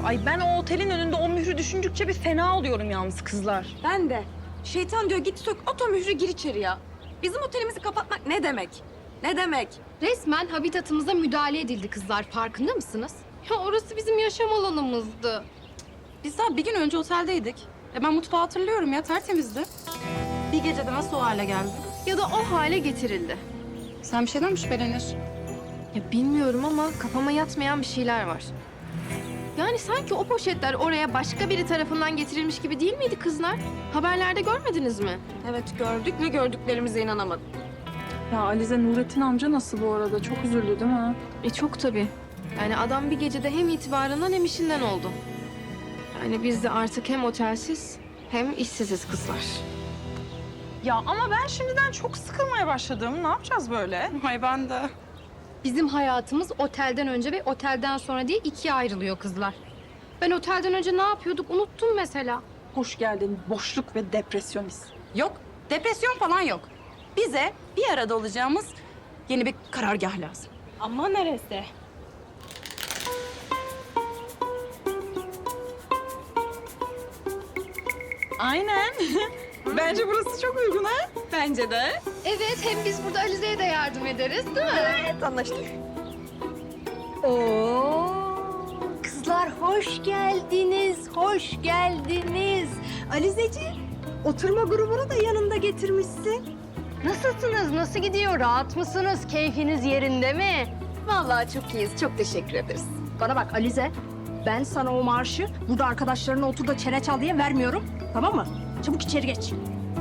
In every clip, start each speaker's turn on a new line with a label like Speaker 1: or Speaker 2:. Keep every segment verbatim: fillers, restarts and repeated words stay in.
Speaker 1: Ay ben o otelin önünde o mührü düşündükçe bir fena oluyorum yalnız kızlar.
Speaker 2: Ben de. Şeytan diyor git sök oto mührü gir içeri ya. Bizim otelimizi kapatmak ne demek? Ne demek?
Speaker 3: Resmen habitatımıza müdahale edildi kızlar. Farkında mısınız? Ya orası bizim yaşam alanımızdı.
Speaker 2: Biz daha bir gün önce oteldeydik. E ben mutfağı hatırlıyorum ya tertemizdi. Bir gecede nasıl o hale geldi?
Speaker 3: Ya da o hale getirildi.
Speaker 2: Sen bir şeyden mi şüpheleniyorsun?
Speaker 3: Ya bilmiyorum ama kafama yatmayan bir şeyler var. Yani sanki o poşetler oraya başka biri tarafından getirilmiş gibi değil miydi kızlar? Haberlerde görmediniz mi?
Speaker 2: Evet gördük ve gördüklerimize inanamadık.
Speaker 1: Ya Alize Nurettin amca nasıl bu arada? Çok üzüldü değil mi?
Speaker 3: E çok tabii. Yani adam bir gecede hem itibarından hem işinden oldu. Yani biz de artık hem otelsiz hem işsiziz kızlar.
Speaker 1: Ya ama ben şimdiden çok sıkılmaya başladım. Ne yapacağız böyle?
Speaker 2: Ay ben de.
Speaker 3: Bizim hayatımız otelden önce ve otelden sonra diye ikiye ayrılıyor kızlar. Ben otelden önce ne yapıyorduk unuttum mesela.
Speaker 1: Hoş geldin boşluk ve depresyonist.
Speaker 2: Yok depresyon falan yok. Bize bir arada olacağımız yeni bir karargah lazım.
Speaker 1: Ama neresi? Aynen. Bence burası çok uygun ha.
Speaker 2: Bence de.
Speaker 3: Evet hem biz burada Alize'ye de yardım ederiz değil mi?
Speaker 2: Evet anlaştık.
Speaker 4: Oo, kızlar hoş geldiniz, hoş geldiniz. Alizeci, oturma grubunu da yanında getirmişsin. Nasılsınız, nasıl gidiyor? Rahat mısınız? Keyfiniz yerinde mi? Vallahi çok iyiyiz, çok teşekkür ederiz. Bana bak Alize, ben sana o marşı burada arkadaşlarına otur da çene çal diye vermiyorum. Tamam mı? Çabuk içeri geç.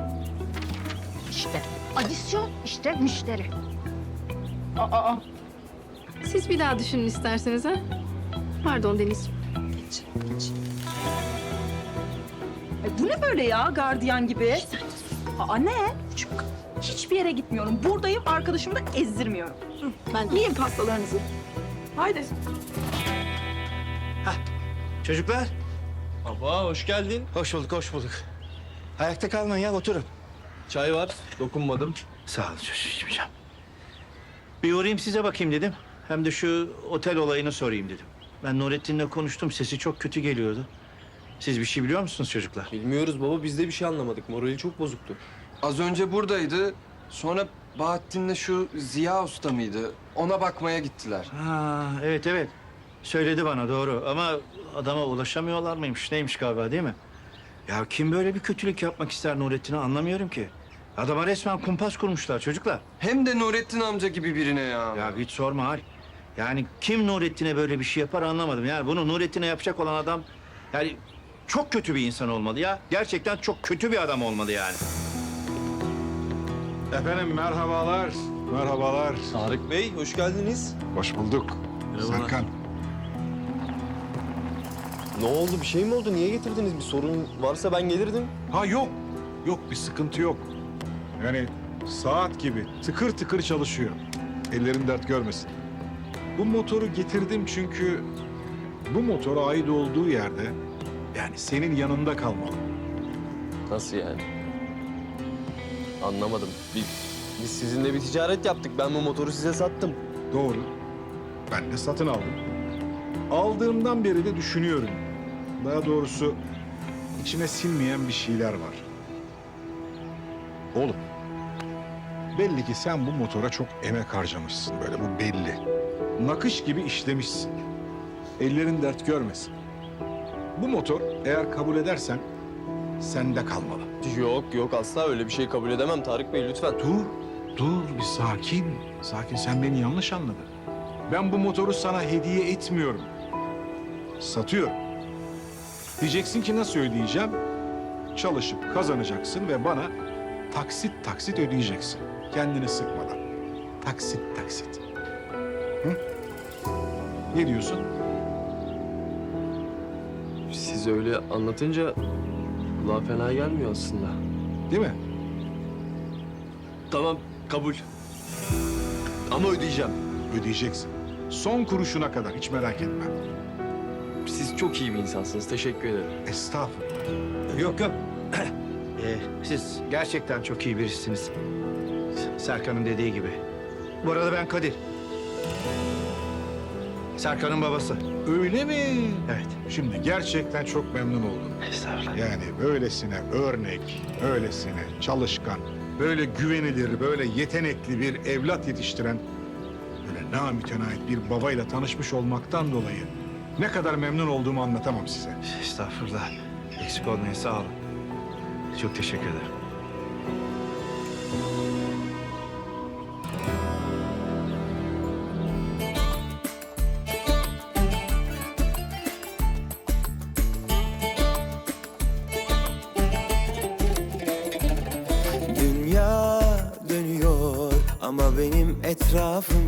Speaker 4: İşte adisyon, işte müşteri.
Speaker 1: Aa,
Speaker 3: Siz bir daha düşünün isterseniz ha. Pardon Deniz.
Speaker 1: Ay bu ne böyle ya gardiyan gibi? Aa ne? Çünkü hiçbir yere gitmiyorum. Buradayım, arkadaşımı da ezdirmiyorum.
Speaker 2: Ben
Speaker 1: Yiyin pastalarınızı. Haydi.
Speaker 5: Çocuklar,
Speaker 6: Baba hoş geldin.
Speaker 5: hoş bulduk, hoş bulduk. Ayakta kalmayın ya, oturun.
Speaker 6: Çay var, dokunmadım.
Speaker 5: Sağ olun çocuğum, içmeyeceğim. Bir uğrayayım size bakayım dedim. Hem de şu otel olayını sorayım dedim. Ben Nurettin'le konuştum, sesi çok kötü geliyordu. Siz bir şey biliyor musunuz çocuklar?
Speaker 6: Bilmiyoruz baba, biz de bir şey anlamadık. Morali çok bozuktu.
Speaker 7: Az önce buradaydı. Sonra Bahattin'le şu Ziya Usta mıydı? Ona bakmaya gittiler.
Speaker 5: Ha, evet evet. Söyledi bana doğru ama adama ulaşamıyorlar mıymış, neymiş galiba değil mi? Ya kim böyle bir kötülük yapmak ister Nurettin'e anlamıyorum ki. Adama resmen kumpas kurmuşlar çocuklar.
Speaker 7: Hem de Nurettin amca gibi birine ya.
Speaker 5: Ya hiç sorma Hal. Yani kim Nurettin'e böyle bir şey yapar anlamadım. Yani bunu Nurettin'e yapacak olan adam yani çok kötü bir insan olmalı ya. Gerçekten çok kötü bir adam olmalı yani.
Speaker 8: Efendim merhabalar, merhabalar.
Speaker 6: Tarık Bey, hoş geldiniz.
Speaker 8: Hoş bulduk.
Speaker 6: Merhabalar.
Speaker 8: Serkan.
Speaker 6: Ne oldu, bir şey mi oldu? Niye getirdiniz? Bir sorun varsa ben gelirdim.
Speaker 8: Ha yok, yok bir sıkıntı yok. Yani saat gibi tıkır tıkır çalışıyor. Ellerin dert görmesin. Bu motoru getirdim çünkü bu motora ait olduğu yerde yani senin yanında kalmalı.
Speaker 6: Nasıl yani? Anlamadım. Biz, biz sizinle bir ticaret yaptık. Ben bu motoru size sattım.
Speaker 8: Doğru. Ben de satın aldım. Aldığımdan beri de düşünüyorum. Daha doğrusu içime sinmeyen bir şeyler var. Oğlum, belli ki sen bu motora çok emek harcamışsın böyle, bu belli. Nakış gibi işlemişsin. Ellerin dert görmesin. Bu motor eğer kabul edersen sende kalmalı.
Speaker 6: Yok yok, asla öyle bir şey kabul edemem Tarık Bey, lütfen.
Speaker 8: Dur, dur bir sakin. Sakin, sen beni yanlış anladın. Ben bu motoru sana hediye etmiyorum. Satıyorum. Diyeceksin ki nasıl ödeyeceğim? Çalışıp kazanacaksın ve bana taksit taksit ödeyeceksin. Kendini sıkmadan. Taksit taksit. Hı? Ne diyorsun?
Speaker 6: Siz öyle anlatınca kulağa fena gelmiyor aslında.
Speaker 8: Değil mi?
Speaker 6: Tamam, kabul. Ama ödeyeceğim.
Speaker 8: Ödeyeceksin. Son kuruşuna kadar, hiç merak etme.
Speaker 6: Siz çok iyi bir insansınız. Teşekkür ederim.
Speaker 8: Estağfurullah.
Speaker 5: Yok yok. Ee, siz gerçekten çok iyi birisiniz. Serkan'ın dediği gibi. Bu arada ben Kadir. Serkan'ın babası.
Speaker 8: Öyle mi?
Speaker 5: Evet.
Speaker 8: Şimdi gerçekten çok memnun oldum.
Speaker 5: Estağfurullah.
Speaker 8: Yani böylesine örnek, öylesine çalışkan, böyle güvenilir, böyle yetenekli bir evlat yetiştiren, böyle namütenait bir babayla tanışmış olmaktan dolayı ne kadar memnun olduğumu anlatamam size.
Speaker 5: Estağfurullah. Eksik olmayın, sağ olun. Çok teşekkür ederim.
Speaker 9: Dünya dönüyor ama benim etrafım